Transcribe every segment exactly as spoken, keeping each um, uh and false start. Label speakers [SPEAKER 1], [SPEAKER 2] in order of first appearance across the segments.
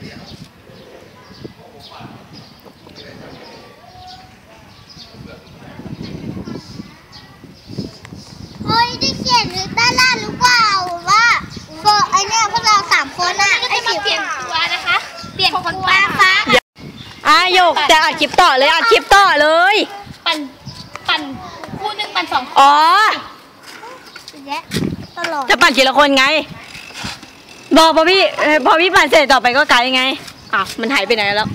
[SPEAKER 1] เฮ้ยได้เขียนด้านล่างหรือเปล่าว่าเฟอร์ไอเนี่ยพวกเราสามคนอ่ะไอสีเปลี่ยนตัวนะคะเปลี่ยนคนฟ้าฟ้า
[SPEAKER 2] อ่ะโยกจะอัดคลิปต่อเลยอัดคลิปต่อเลย
[SPEAKER 1] ปั่นปั่นคู่หนึ่งปั่นสอง
[SPEAKER 2] อ๋อ
[SPEAKER 1] ตลอด
[SPEAKER 2] จะปั่นทีละคนไงบอกพอพี่พอพี่ปั่นเสร็จต่อไปก็ไกด์ไงอ่ะมันหายไปไหนแล้ว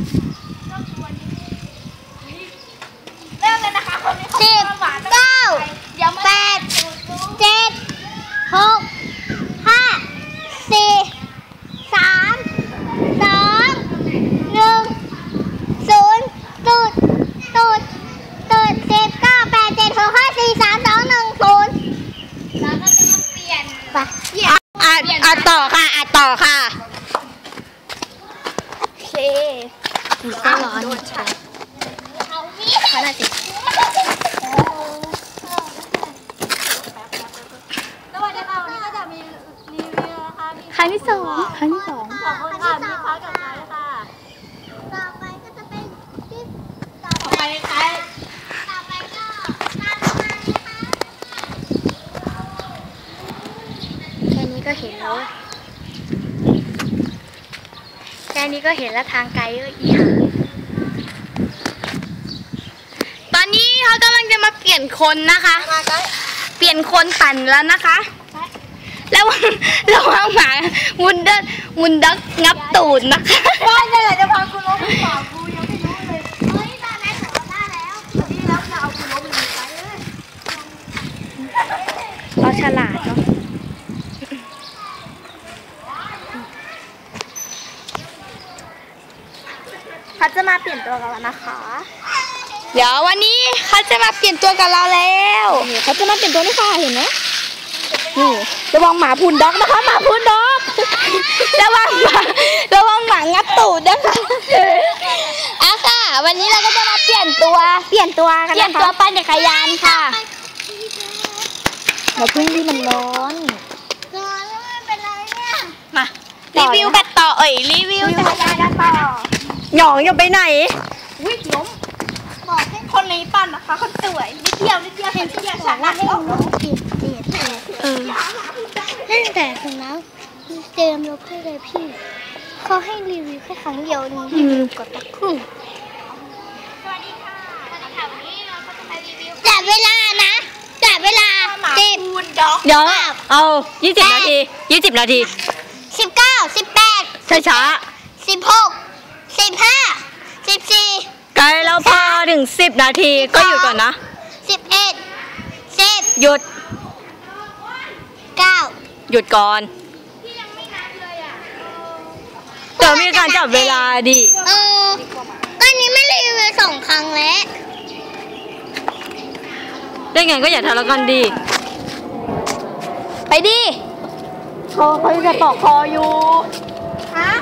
[SPEAKER 1] เริ่มเลยนะคะคนนี้สิบเก้าแปดเจ็ดหกห้าสี่สามสองหนึ่งศูนย์ตูดตูดตูดสิบเก้าแปดเจ็ดหกห้าสี่สามสองหนึ่งศูนย์แล้วก็จะมาเปลี่ยนไป
[SPEAKER 2] อัดอัดต่อค่ะอัดต่อค่ะ
[SPEAKER 1] โอเคก็ร้อนค่ะขนาดสิสวัสดีค่ะวันนี้ก็จะมีรีวิวนะคะ
[SPEAKER 2] ครั้งที่สองครั้งที่สอง
[SPEAKER 1] ขอบคุณค่ะมีพักกับไลฟ์ค่ะต่อไปก็จะเป็นที่ต่อไปใครต่อไปก็ตามมานะคะแค่นี้ก็เห็นแล้วแค่นี้ก็เห็นแล้วทางไกลก็อีห่า
[SPEAKER 2] ตอนนี้เขากำลังจะมาเปลี่ยนคนนะคะเปลี่ยนคนปั่นแล้วนะคะแล้วระวังหมามุนเดินมุนดักงับตูดนะคะ
[SPEAKER 1] ว่าเนี่ยแหละจะพาคุณล้มหรือเปล่ากูยังไม่รู้เลยเฮ้ยตอนนั้นของเราได้แล้วนี่แล้วจะเอาคุณล้มหรือไปเลย
[SPEAKER 2] เราฉลาดเนาะ
[SPEAKER 1] เขาจะมาเปลี่ยนตัวกันแล้วนะคะ
[SPEAKER 2] เดี๋ยววันนี้เขาจะมาเปลี่ยนตัวกับเราแล้ว
[SPEAKER 1] เขาจะมาเปลี่ยนตัวนี่ค่ะเห็นไหม
[SPEAKER 2] นี่ระวังหมาพูนด็อกนะคะหมาพูนด็อกระวังหมาระวังหมางับตูดนะคะอ่ะค่ะวันนี้เราก็จะมาเปลี่ยนตัว
[SPEAKER 1] เปลี่ยนตัวกันนะคะ
[SPEAKER 2] เปลี่ยนตัวปั่นจักรยานค่ะ
[SPEAKER 1] เราพึ่งที่มันร้อนร้อนแล้วไม่เป็นไรเนี่ย
[SPEAKER 2] มารีวิวกันต่อเอ่ยรีวิว
[SPEAKER 1] จักรยานกันต่อ
[SPEAKER 2] หยองอยู่ไปไหน
[SPEAKER 1] วิ่งล้มบอกให้คนนี้ปั่นนะคะคนสวยนิดเดียวนิดเดียวเห็นนิดเดียวฉันละให้ล้มผิดเจ็ดเออตั้งแต่ถึงแล้วเจมลบให้เลยพี่เขาให้รีวิวแค่ครั้งเดียวนี้รีวิวกดตะคุ่มสวัสดีค่ะสวัสดีค่ะวันนี้เราก็จะมารีวิวจับเวลานะจับเวลาสิบ
[SPEAKER 2] เดี๋ยวเอายี่สิบนาทียี่สิบนาที
[SPEAKER 1] สิบเก้าสิบแปด
[SPEAKER 2] ช้าช้า
[SPEAKER 1] สิบหกสิบห้าสิบสี่
[SPEAKER 2] ใกล้แล้วพอถึงสิบนาทีก็หยุดก่อนนะ
[SPEAKER 1] สิบเอ็ดสิบ
[SPEAKER 2] หยุด
[SPEAKER 1] เก้า
[SPEAKER 2] หยุดก่อนเดี๋ยวมีการจับเวลาดิ
[SPEAKER 1] เออตอนนี้ไม่รีวิวสองครั้งแล้ว
[SPEAKER 2] ได้ไงก็อย่าทะเลาะกันดิไปดิคอเขาจะปอกคออยู่
[SPEAKER 1] ฮะ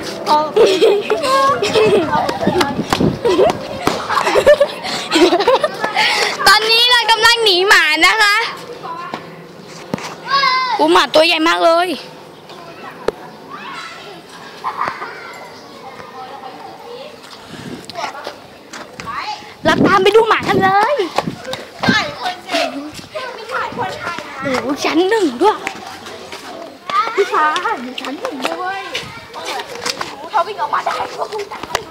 [SPEAKER 2] ตอนนี้เรากำลังหนีหมานะคะอูหมาตัวใหญ่มากเลยเราตามไปดูหมากันเลย
[SPEAKER 1] ถ่ายคนเด็กไม่ถ่ายคนถ่ายนะ
[SPEAKER 2] โอ้ชั้นหนึ่งด้วย
[SPEAKER 1] พี่ฟ้าอยู่ชั้นหนึ่งด้วยเขาวิ่งออกมาได้ก็คงตาย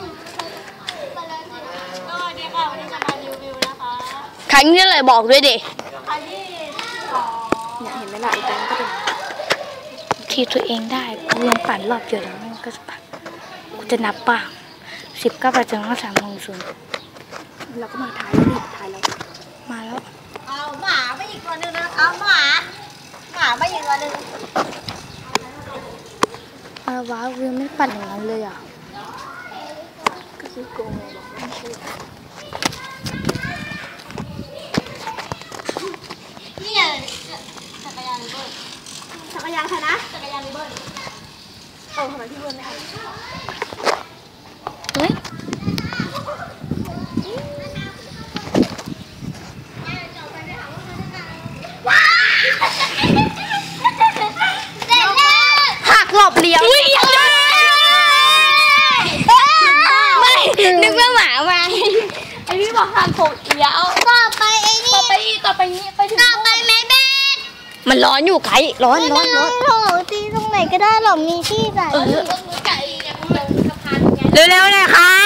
[SPEAKER 1] สวัสดีค่ะวันนี้จะมารีวิวนะคะ
[SPEAKER 2] ครั้งนี้เลยบอกด้วยดิ
[SPEAKER 1] ครั้งที่สองเนี่ยเห็นไหมล่ะอีกแล้วก็เป็น
[SPEAKER 2] ทีตัวเองได้กูยังปั่นรอบเดียวแล้วมันก็จะปั่นกูจะนับป่ะสิบเก้าแปดถึงห้าสามหนึ่งศูนย์
[SPEAKER 1] เราก็มาถ่ายแล้วนี่ถ่ายแล้ว
[SPEAKER 2] มาแล้ว
[SPEAKER 1] เอาหมาไปอีกตัวนึงนะคะหมาหมาไปอีกตัวนึง
[SPEAKER 2] อะไรวะวิวไม่ปั่นอย่างนั้นเลยอ่ะ
[SPEAKER 1] ก็คือโกงนี่ไงจักรยานริเบิลจักรยานใครนะจักรยานริเบิลโอ้ทำไมพี่เบิลไม่เอา
[SPEAKER 2] เฮ้ยหักหลบเลี้ยวหกอีกแล้ว
[SPEAKER 1] ต่อไปไอ้นี่
[SPEAKER 2] ต่อไปอีกต่อไปนี้ไปถึง
[SPEAKER 1] ต่อไปแม่เบ็ด
[SPEAKER 2] มันร้อนอยู่ไกด์ร้อนร้อนร้อน
[SPEAKER 1] โถตีตรงไหนก็ได้หรอกมีที่ใส่
[SPEAKER 2] เออ
[SPEAKER 1] รถมือไก่ยังลงสะพานไง
[SPEAKER 2] เร็วๆหน่อยครับ